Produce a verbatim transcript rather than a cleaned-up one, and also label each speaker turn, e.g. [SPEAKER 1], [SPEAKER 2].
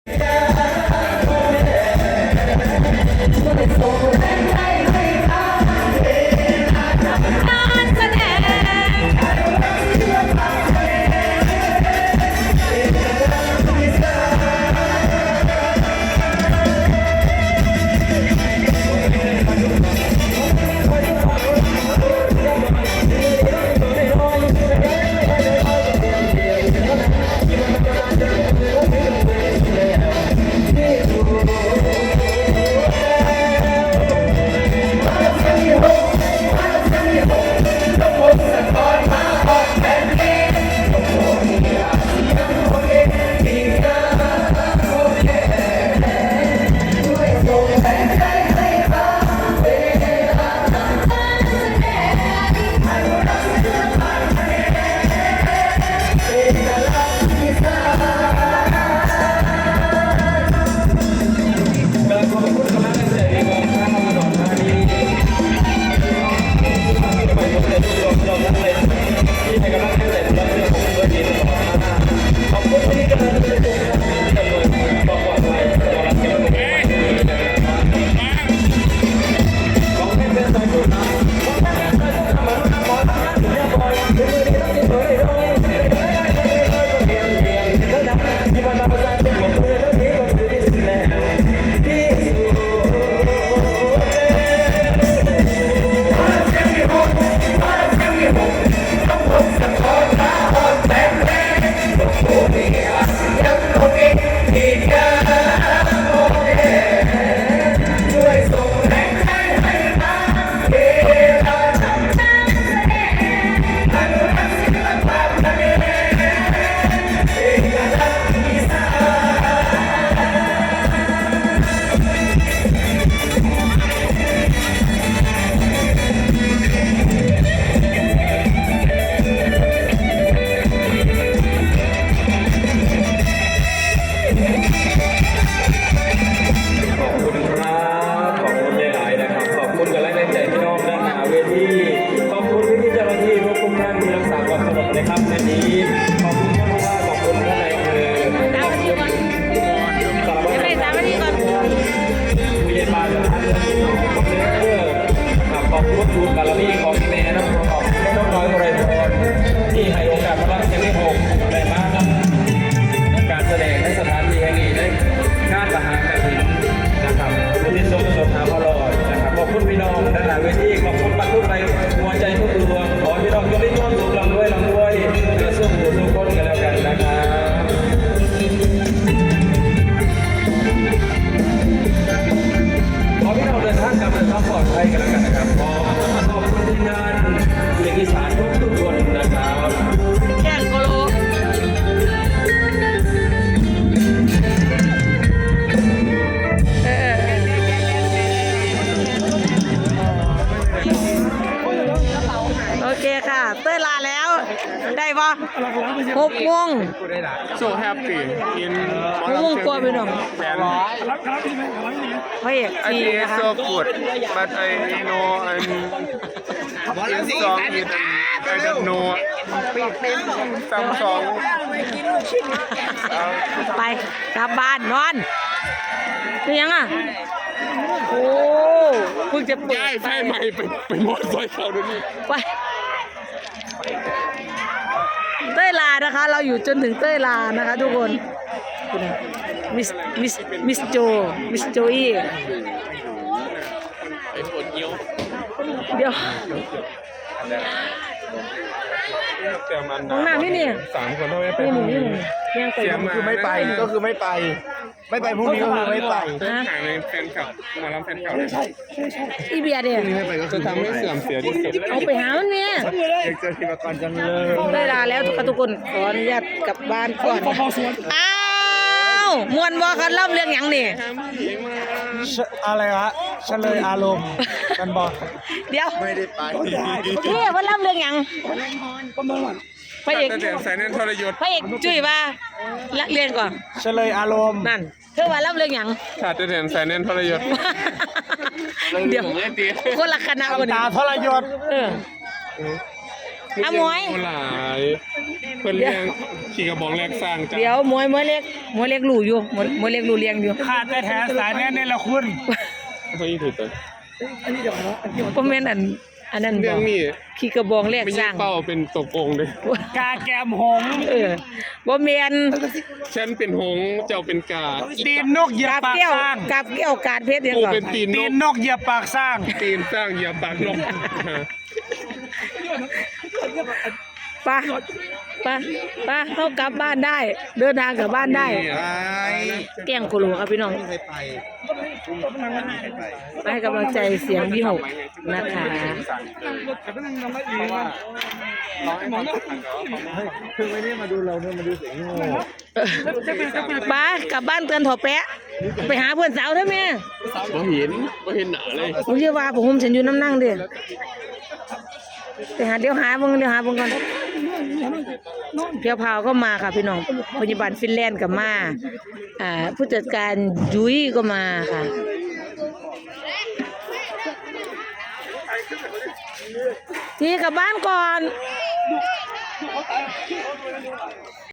[SPEAKER 1] หกโมง
[SPEAKER 2] โซ่แฮปปี้กิน
[SPEAKER 1] หกโมงกว่าไปหน่อย
[SPEAKER 2] แปด
[SPEAKER 1] พระเอก
[SPEAKER 2] ไอ้
[SPEAKER 1] จี
[SPEAKER 2] ที่
[SPEAKER 1] นะคะ
[SPEAKER 2] โซ่กูดบัดไอ้โนไอ้อินสองอินไอ้ดับโนซัมซอง
[SPEAKER 1] ไปกลับบ้านนอนเป็นยังอ่ะโอ้เพิ่งจะเปิด
[SPEAKER 2] ย้ายไฟใหม่ไปไปหมดซอยเขาด้วยนี่
[SPEAKER 1] ไปเต้ยลานะคะเราอยู่จนถึงเต้ยลานะคะทุกคนมิสมิสมิสโจมิสโจอี้
[SPEAKER 2] ไอ้ปวดเยี่ยว
[SPEAKER 1] เดี๋ยว
[SPEAKER 2] ห้องน้ำนี่นี่สามคนเท่าไหร่ไป
[SPEAKER 1] นี่หนึ่งนี่หนึ่งยังไป
[SPEAKER 2] เสียมาคือไม่ไปก็คือไม่ไปไม่ไปพรุ่งนี้ก็คือไม่ไปหายในแฟนคลับมารับแฟนคลับใช่ใช่
[SPEAKER 1] อีเบียเดีย
[SPEAKER 2] จะทำให้เสื่อมเสียที่สุด
[SPEAKER 1] เอาไปหามันเนี่ย
[SPEAKER 2] อยากเจอทีมกรจังเลย
[SPEAKER 1] ได้ลาแล้วทุกคนขออนุญาตกลับบ้านก่อนอ้าวมวนบ่คันเล่าเรื่องหยังนี่
[SPEAKER 3] อะไรวะเฉลยอารมณ์กันบอก
[SPEAKER 1] เดี๋ยว
[SPEAKER 2] ไม่ได้ไป
[SPEAKER 1] พี่ว่าเล่าเรื่องหยังพระเอก
[SPEAKER 2] แต่สายนั้นทรยศ
[SPEAKER 1] พระเอกจุ้ยว่าละเรียนก่อน
[SPEAKER 3] เฉลยอารมณ์
[SPEAKER 1] นั่นเธอว่าเล่าเรื่องหยัง
[SPEAKER 2] ขาดแต่สายนั้นทรยศ
[SPEAKER 1] เดี๋ยวคนละคณะคน
[SPEAKER 3] ตา
[SPEAKER 1] นี้
[SPEAKER 3] ทรยศ
[SPEAKER 1] เออ อมวย
[SPEAKER 2] หลายเพิ่นเลี้ยงขี่กระบองแรกสร้างจ้ะ
[SPEAKER 1] เดี๋ยวมวยมวยเล็กมวยเล็กรู้อยู่มวยมวยเล็กรู้เลี้ยงอยู่
[SPEAKER 3] ขาดแต่แถสายแน่นี่ละคุณ
[SPEAKER 2] เฮ้ยถูกต้อง
[SPEAKER 1] บ่แม่นอันอันนั้น
[SPEAKER 2] เรื่
[SPEAKER 1] บ่
[SPEAKER 2] องนี้
[SPEAKER 1] ขี่กระบองแลก
[SPEAKER 2] ไม่
[SPEAKER 1] ส
[SPEAKER 2] ใช่
[SPEAKER 1] ร้าง
[SPEAKER 2] เป้าเป็นตกองค์เลย
[SPEAKER 3] กาแกมหงส์
[SPEAKER 1] เออบ่แม่น
[SPEAKER 2] ฉันเป็นหงส์เจ้าเป็นกา
[SPEAKER 3] ตีนนกเหยียบ
[SPEAKER 1] กับ
[SPEAKER 3] ปาก
[SPEAKER 1] แก้ว
[SPEAKER 3] สร้าง
[SPEAKER 1] กับแก้วกาดเพชรยัง
[SPEAKER 2] กู
[SPEAKER 1] ก่อน
[SPEAKER 2] เป็นตีน
[SPEAKER 3] ตี
[SPEAKER 2] น
[SPEAKER 3] น
[SPEAKER 2] ก
[SPEAKER 3] นกเหยียบปากสร้าง
[SPEAKER 2] ตีนสร้างเหยียบปากนก
[SPEAKER 1] ไปไปไปเข้ากลับบ้านได้ เดินทางกลับบ้านได้แกล้งโคโลครับพี่น้องไปให้กำลังใจเสียงพี่หกนะคะ
[SPEAKER 3] คือไม่ได้มาดูเราเนี่ยมาดูเสียงโง่
[SPEAKER 1] ไปกลับบ้านเตือนถอแปะไปหาเพื่อนสาวเถอะแม่
[SPEAKER 2] บ่เห็นบ่เห็นหนาเลย
[SPEAKER 1] ผมเชื่อว่าผมฉันอยู่น้ำนั่งเด้ไปหาเดี๋ยวหาเบิ่งเดี๋ยวหาเบิ่งก่อนเพียวพาวก็มาค่ะพี่น้องพยาบาลฟินแลนด์ก็มาอ่าผู้จัดการยุ้ยก็มาค่ะทีกลับบ้านก่อน